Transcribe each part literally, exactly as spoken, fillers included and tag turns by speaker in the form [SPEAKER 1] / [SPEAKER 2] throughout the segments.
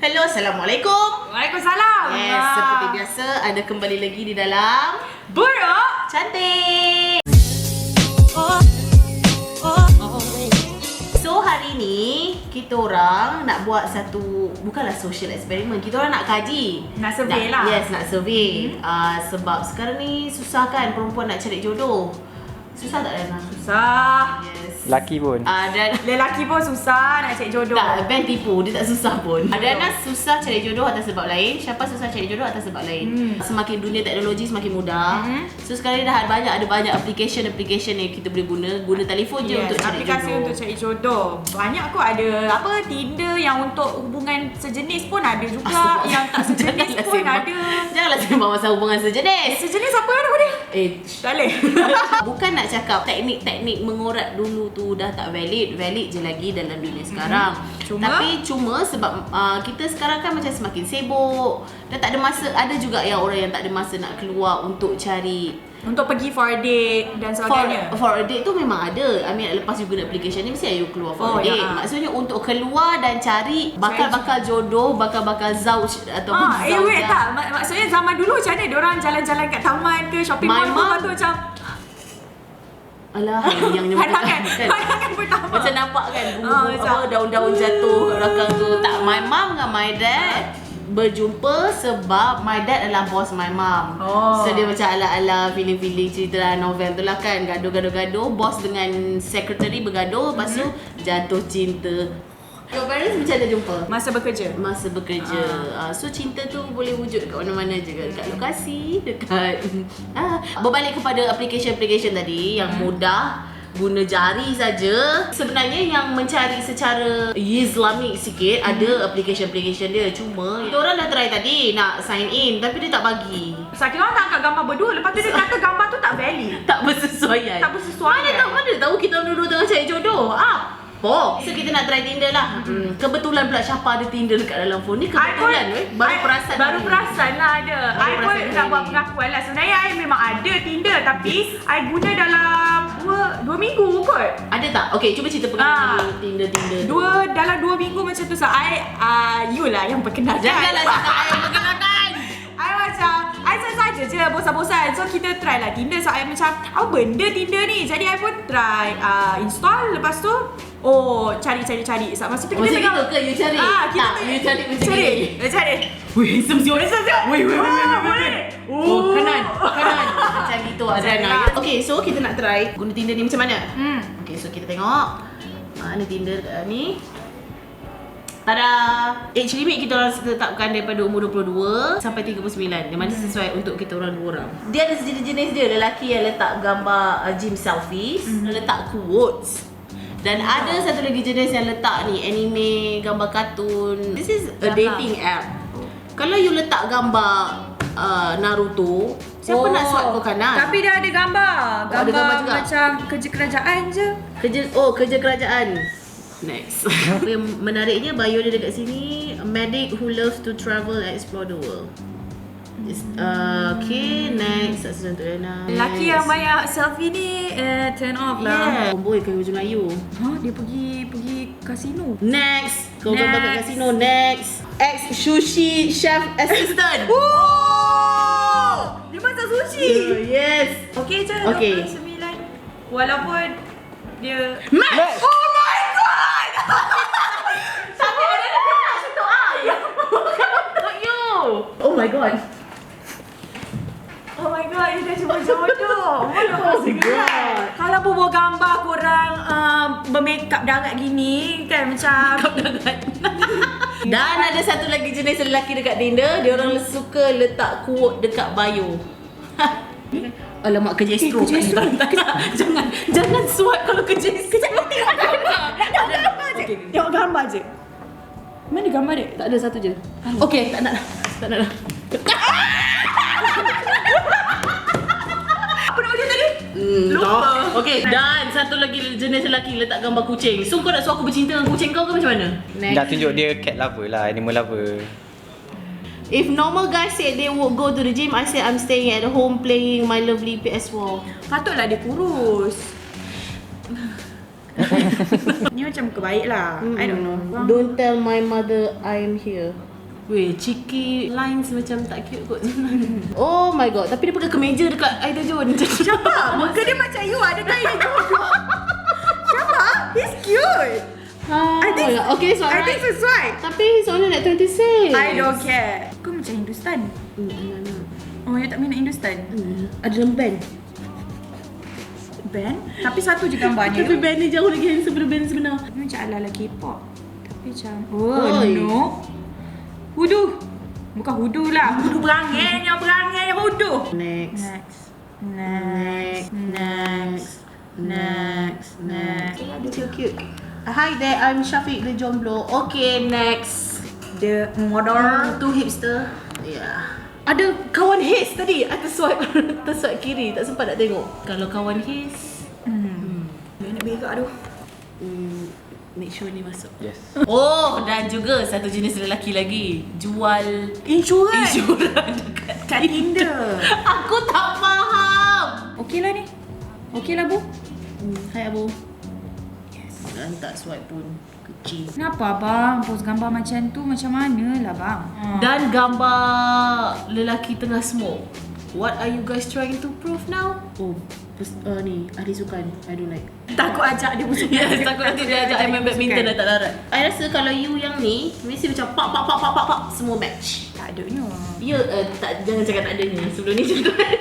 [SPEAKER 1] Hello, Assalamualaikum.
[SPEAKER 2] Waalaikumsalam.
[SPEAKER 1] Yes,
[SPEAKER 2] Ah.
[SPEAKER 1] seperti biasa ada kembali lagi di dalam
[SPEAKER 2] Buruk
[SPEAKER 1] Cantik. So hari ni kita orang nak buat satu, bukanlah social experiment, kita orang nak kaji,
[SPEAKER 2] Nak survey
[SPEAKER 1] nak,
[SPEAKER 2] lah.
[SPEAKER 1] Yes, nak survey.
[SPEAKER 2] Hmm.
[SPEAKER 1] uh, Sebab sekarang ni susah kan perempuan nak cari jodoh. Susah tak Dana?
[SPEAKER 2] susah.
[SPEAKER 1] Yes.
[SPEAKER 3] Laki pun.
[SPEAKER 1] uh, Dan
[SPEAKER 2] Lelaki pun susah nak cari jodoh.
[SPEAKER 1] tak, Ben tipu, dia tak susah pun. Adana susah cari jodoh atas sebab lain, Syafa susah cari jodoh atas sebab lain.
[SPEAKER 2] Hmm.
[SPEAKER 1] Semakin dunia teknologi semakin mudah.
[SPEAKER 2] Hmm.
[SPEAKER 1] So sekarang ni dah banyak ada banyak application-application yang kita boleh guna, guna telefon je
[SPEAKER 2] Yes,
[SPEAKER 1] untuk cari
[SPEAKER 2] aplikasi
[SPEAKER 1] jodoh.
[SPEAKER 2] untuk cari jodoh. Banyak kot ada apa Tinder yang untuk hubungan sejenis pun ada juga,
[SPEAKER 1] Astaga.
[SPEAKER 2] yang tak sejenis
[SPEAKER 1] Janganlah
[SPEAKER 2] pun
[SPEAKER 1] sembang.
[SPEAKER 2] ada.
[SPEAKER 1] Janganlah sembang pasal hubungan sejenis.
[SPEAKER 2] Sejenis apa nama dia?
[SPEAKER 1] Eh,
[SPEAKER 2] Tak boleh.
[SPEAKER 1] bukan nak cakap teknik-teknik mengorat dulu tu dah tak valid. Valid je lagi dalam dunia sekarang.
[SPEAKER 2] Cuma?
[SPEAKER 1] Tapi cuma sebab uh, kita sekarang kan macam semakin sibuk, dah tak ada masa. Ada juga yang orang yang tak ada masa nak keluar untuk cari
[SPEAKER 2] Untuk pergi for a date dan
[SPEAKER 1] for,
[SPEAKER 2] sebagainya.
[SPEAKER 1] for a date tu memang ada. I mean lepas you guna application ni mesti you keluar for
[SPEAKER 2] Oh,
[SPEAKER 1] a date.
[SPEAKER 2] ya.
[SPEAKER 1] Maksudnya untuk keluar dan cari bakal-bakal jodoh, bakal-bakal zauj ataupun
[SPEAKER 2] Ah, eh wait
[SPEAKER 1] zaujah.
[SPEAKER 2] tak. Mak- maksudnya zaman dulu macam mana diorang jalan-jalan kat taman ke shopping
[SPEAKER 1] My
[SPEAKER 2] mall tu,
[SPEAKER 1] mom-
[SPEAKER 2] lepas tu macam
[SPEAKER 1] Alah, yang nyebut
[SPEAKER 2] pandangan,
[SPEAKER 1] kan.
[SPEAKER 2] pandangan pertama.
[SPEAKER 1] Macam nampak kan bunga,
[SPEAKER 2] Ah,
[SPEAKER 1] bunga
[SPEAKER 2] macam-
[SPEAKER 1] apa daun-daun jatuh kat belakang tu. Tak, my mom dengan my dad berjumpa sebab my dad adalah bos my mom.
[SPEAKER 2] Oh.
[SPEAKER 1] So dia macam ala-ala feeling-feeling cerita dalam novel tu lah kan. Gaduh-gaduh-gaduh, bos dengan secretary bergaduh, lepas tu jatuh cinta. Your parents macam mana jumpa?
[SPEAKER 2] Masa bekerja.
[SPEAKER 1] Masa bekerja. Uh, so cinta tu boleh wujud kat mana-mana je, dekat lokasi, dekat ah, berbalik kepada application-application tadi yang mudah guna jari saja. Sebenarnya yang mencari secara Islamik sikit ada application-application dia. Cuma kita orang dah try tadi nak sign in tapi dia tak bagi.
[SPEAKER 2] Sebab kita orang tak angkat gambar berdua, lepas tu dia kata gambar tu tak valid.
[SPEAKER 1] Tak bersesuaian.
[SPEAKER 2] Tak bersesuaian.
[SPEAKER 1] Mana tahu, mana tahu kita orang dulu tengah cari jodoh. Ah. Oh, so kita nak try Tinder lah. Hmm. Kebetulan pula Syafa ada Tinder dekat dalam phone ni. Kebetulan weh. Baru
[SPEAKER 2] I-
[SPEAKER 1] perasan.
[SPEAKER 2] Baru
[SPEAKER 1] hari ni.
[SPEAKER 2] perasan lah ada.
[SPEAKER 1] Baru
[SPEAKER 2] I pun
[SPEAKER 1] perasan
[SPEAKER 2] nak
[SPEAKER 1] hari
[SPEAKER 2] buat
[SPEAKER 1] ni.
[SPEAKER 2] pengakuan lah. Sebenarnya I memang ada Tinder, tapi I guna dalam dua, dua minggu kot.
[SPEAKER 1] Ada tak? Okay, cuba cerita pengalaman
[SPEAKER 2] Ah.
[SPEAKER 1] Tinder-Tinder tu.
[SPEAKER 2] Dua, dalam dua minggu macam tu. So I, uh, you lah yang perkenalkan.
[SPEAKER 1] Janganlah cakap I yang perkenalkan.
[SPEAKER 2] I macam I saja je bosan-bosan. So kita try lah Tinder. So I macam apa benda Tinder ni. Jadi I pun try uh, install. Lepas tu oh cari-cari-cari. So, masa tu
[SPEAKER 1] Macam
[SPEAKER 2] kita
[SPEAKER 1] gitu ke you cari?
[SPEAKER 2] Ah, kita
[SPEAKER 1] tak,
[SPEAKER 2] tengok-
[SPEAKER 1] you cari macam
[SPEAKER 2] cari.
[SPEAKER 1] ni.
[SPEAKER 2] Eh, cari.
[SPEAKER 1] Weh, semsiot.
[SPEAKER 2] Semsiot.
[SPEAKER 1] Weh, weh, weh, weh, weh,
[SPEAKER 2] Ah,
[SPEAKER 1] weh.
[SPEAKER 2] boleh.
[SPEAKER 1] Oh, kanan, kanan. Macam gitu
[SPEAKER 2] Macam
[SPEAKER 1] Azana.
[SPEAKER 2] lah.
[SPEAKER 1] Okay, so kita nak try guna Tinder ni macam mana?
[SPEAKER 2] Hmm.
[SPEAKER 1] Okay, so kita tengok. Mana Tinder kat ni? Tada! Age limit kita orang tetapkan daripada umur dua puluh dua sampai tiga puluh sembilan. Di mana sesuai untuk kita orang dua orang. Dia ada sejenis-jenis dia. Lelaki yang letak gambar uh, gym selfies, mm-hmm. letak quotes. Dan
[SPEAKER 2] Wow.
[SPEAKER 1] ada satu lagi jenis yang letak ni anime, gambar kartun. This is a
[SPEAKER 2] Gambar.
[SPEAKER 1] dating app. Kalau you letak gambar uh, Naruto, siapa nak swipe ke kanan?
[SPEAKER 2] Tapi dia ada gambar.
[SPEAKER 1] Oh, ada gambar juga?
[SPEAKER 2] Macam kerja kerajaan je.
[SPEAKER 1] Kerja oh kerja kerajaan. Next. Apa yang menariknya bio dia dekat sini, a medic who loves to travel and explore the world. Is, uh, okay, next. Asal untuk Rena.
[SPEAKER 2] Lelaki yang banyak selfie ni uh, turn off lah.
[SPEAKER 1] Yeah. Oh boy, kau baju Melayu.
[SPEAKER 2] Ha, dia pergi pergi kasino.
[SPEAKER 1] Next. Kau gambar kat
[SPEAKER 2] Next.
[SPEAKER 1] kasino. Next. Ex sushi chef assistant.
[SPEAKER 2] Oh! Dia masak sushi.
[SPEAKER 1] Uh, yes.
[SPEAKER 2] Okey je.
[SPEAKER 1] Okey.
[SPEAKER 2] dua puluh sembilan. Walaupun dia
[SPEAKER 1] Match.
[SPEAKER 2] Oh my god.
[SPEAKER 1] Tapi ada dekat situ I. Bukan you. Oh my god.
[SPEAKER 2] Oh my god, dia dah cuba jodoh.
[SPEAKER 1] Oh my god.
[SPEAKER 2] Kalau bubuh gambar korang uh, bermakeup darat gini kan macam
[SPEAKER 1] Dan ada satu lagi jenis lelaki dekat Tinder, dia orang suka letak quote dekat bio. Alamak, kerja astro.
[SPEAKER 2] Eh, kerja astro.
[SPEAKER 1] Jangan jangan swipe kalau kerja astro.
[SPEAKER 2] Tengok gambar. Tengok gambar je.
[SPEAKER 1] Okay.
[SPEAKER 2] Tengok gambar je. Mana gambar dia?
[SPEAKER 1] Tak ada satu je. Okey, tak nak dah. Tak nak dah.
[SPEAKER 2] Apa nama dia tadi?
[SPEAKER 1] Hmm,
[SPEAKER 2] Lupa.
[SPEAKER 1] tak. Okey, dan satu lagi jenis lelaki letak gambar kucing. So kau nak suruh aku bercinta dengan kucing kau ke macam mana?
[SPEAKER 3] Dah tunjuk dia cat lover lah, animal lover.
[SPEAKER 1] If normal guys said they would go to the gym, I said I'm staying at home playing my lovely P S four.
[SPEAKER 2] Patutlah dia kurus. Ni macam muka baik lah. I don't know. Korang-
[SPEAKER 1] Don't tell my mother I'm here. Weh, cheeky lines macam tak cute kot sebenarnya. Oh my god, tapi dia pakai kemeja dekat Aida Jone.
[SPEAKER 2] Siapa? Muka dia macam you, adakah ini jodoh? Siapa? He's cute.
[SPEAKER 1] Oh
[SPEAKER 2] I think,
[SPEAKER 1] my god. Okay, so
[SPEAKER 2] I
[SPEAKER 1] alright.
[SPEAKER 2] think sesuai.
[SPEAKER 1] Tapi it's only like twenty-six.
[SPEAKER 2] I don't care. Kau macam Hindustan.
[SPEAKER 1] Hmm, no, no.
[SPEAKER 2] Oh, you tak minat Hindustan?
[SPEAKER 1] Hmm, ada dalam band.
[SPEAKER 2] Band? Tapi satu je gambarnya.
[SPEAKER 1] Tapi band ni jauh lagi handsome daripada band sebenar.
[SPEAKER 2] Dia macam ala-ala K-pop. Tapi macam Oh
[SPEAKER 1] Oi.
[SPEAKER 2] no. Hudu. Bukan hudu lah. Hudu berangai yang berangai yang hudu.
[SPEAKER 1] Next.
[SPEAKER 2] Next. Next. Next. Next. Next.
[SPEAKER 1] Dia cute cute. Hi there, I'm Syafiq the Jomblo. Okay, next.
[SPEAKER 2] The model.
[SPEAKER 1] Two hipster. Yeah. Ada kawan Haze tadi. I terswipe terswipe kiri. Tak sempat nak tengok. Kalau kawan Haze,
[SPEAKER 2] Hmm. Dia nak berak tu.
[SPEAKER 1] hmm, make sure ni masuk.
[SPEAKER 3] Yes.
[SPEAKER 1] Oh, dan juga satu jenis lelaki lagi. Jual
[SPEAKER 2] Insurans.
[SPEAKER 1] insurans dekat
[SPEAKER 2] Kat Tinder.
[SPEAKER 1] Aku tak faham.
[SPEAKER 2] Okey lah ni. Okey lah bu.
[SPEAKER 1] Hmm, hai Abu. Dan tak swipe pun kecil.
[SPEAKER 2] Kenapa abang post gambar macam tu macam mana lah bang?
[SPEAKER 1] Dan gambar lelaki tengah smoke. What are you guys trying to prove now? Oh, pers- uh, ni ahli sukan. I don't like.
[SPEAKER 2] Takut ajak dia musuh.
[SPEAKER 1] Yes, takut nanti dia ajak main badminton dah tak larat. I rasa kalau you yang ni, mesti macam pak pak pak pak pak pak semua match.
[SPEAKER 2] Tak adanya.
[SPEAKER 1] Ya, uh, tak, jangan cakap tak adanya. Sebelum ni macam tu kan.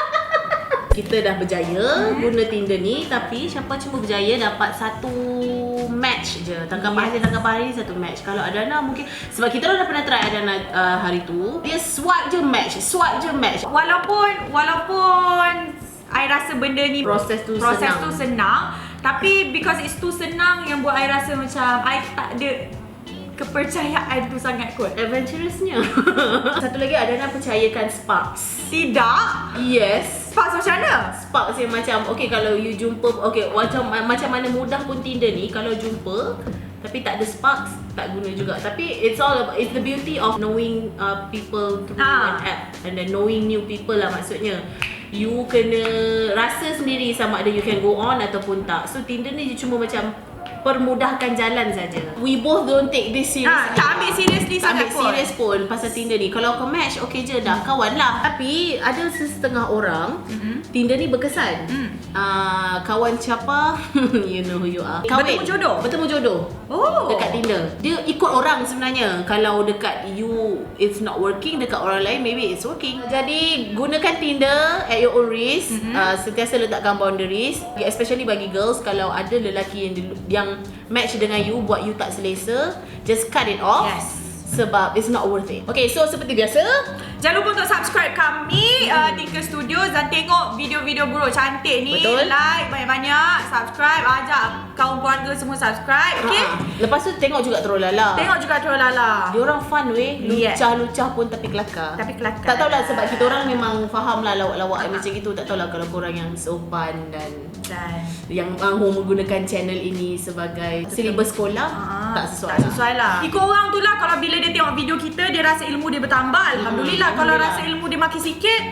[SPEAKER 1] Kita dah berjaya guna Tinder ni, tapi siapa cuma berjaya dapat satu match je. Tangkapan hari tangkapan hari satu match. Kalau Adana mungkin sebab kita orang dah pernah try Adana uh, hari tu, dia swipe je match, swipe je match.
[SPEAKER 2] Walaupun walaupun I rasa benda ni
[SPEAKER 1] Proses tu
[SPEAKER 2] proses
[SPEAKER 1] senang.
[SPEAKER 2] tu senang, tapi because it's too senang yang buat I rasa macam I tak ada kepercayaan tu sangat kot.
[SPEAKER 1] Adventurousnya. Satu lagi Adana percayakan Sparks.
[SPEAKER 2] Tidak.
[SPEAKER 1] Yes.
[SPEAKER 2] Sparks macam mana?
[SPEAKER 1] Sparks yang macam okay kalau you jumpa okay macam macam mana mudah pun Tinder ni kalau jumpa tapi tak ada sparks tak guna juga. Tapi it's all about it's the beauty of knowing uh, people through
[SPEAKER 2] Ah.
[SPEAKER 1] an app and then knowing new people lah maksudnya. You kena rasa sendiri sama ada you can go on ataupun tak. So Tinder ni dia cuma macam permudahkan jalan saja. We both don't take this seriously.
[SPEAKER 2] Ah, tak ambil seriously
[SPEAKER 1] tak
[SPEAKER 2] sangat
[SPEAKER 1] ambil serious pun pasal Tinder ni. Kalau kau match okay je dah kawan lah. Tapi ada setengah orang
[SPEAKER 2] Mm-hmm.
[SPEAKER 1] Tinder ni berkesan.
[SPEAKER 2] Mm.
[SPEAKER 1] Uh, kawan siapa you know who you are. Kahwin.
[SPEAKER 2] Bertemu jodoh?
[SPEAKER 1] Bertemu jodoh.
[SPEAKER 2] Oh.
[SPEAKER 1] Dekat Tinder. Dia ikut orang sebenarnya. Kalau dekat you it's not working, dekat orang lain maybe it's working. Jadi gunakan Tinder at your own risk. Mm-hmm. Uh, sentiasa letakkan boundaries, especially bagi girls. Kalau ada lelaki yang di- yang match dengan you buat you tak selesa, just cut it off.
[SPEAKER 2] Yes.
[SPEAKER 1] Sebab it's not worth it. Okay, so seperti biasa,
[SPEAKER 2] Jangan lupa untuk subscribe kami uh, Tinker Studios dan tengok video-video buruk cantik ni.
[SPEAKER 1] Betul.
[SPEAKER 2] Like banyak-banyak, subscribe, ajak kaum keluarga semua subscribe, okey?
[SPEAKER 1] ha, lepas tu tengok juga Trolala.
[SPEAKER 2] Tengok juga Trolala.
[SPEAKER 1] Dia orang fun weh,
[SPEAKER 2] Yeah.
[SPEAKER 1] lucah-lucah pun tapi kelakar.
[SPEAKER 2] Tapi kelakar.
[SPEAKER 1] Tak tahulah sebab kita orang memang faham lah lawak-lawak uh-huh. macam gitu. Tak tahulah kalau korang yang sopan dan
[SPEAKER 2] Dan
[SPEAKER 1] yang mahu menggunakan channel ini sebagai silibus sekolah
[SPEAKER 2] Ah,
[SPEAKER 1] tak sesuai.
[SPEAKER 2] Tak sesuai lah. Ikut orang tu lah, kalau bila dia tengok video kita dia rasa ilmu dia bertambah. Alhamdulillah.
[SPEAKER 1] Hmm,
[SPEAKER 2] Kalau
[SPEAKER 1] Alhamdulillah.
[SPEAKER 2] rasa ilmu dia makin sikit,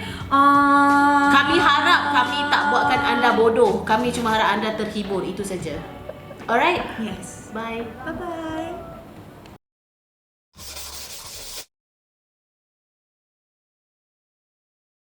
[SPEAKER 2] uh,
[SPEAKER 1] Kami harap kami tak buatkan anda bodoh. Kami cuma harap anda terhibur. Itu saja. Alright.
[SPEAKER 2] Yes.
[SPEAKER 1] Bye.
[SPEAKER 2] Bye bye.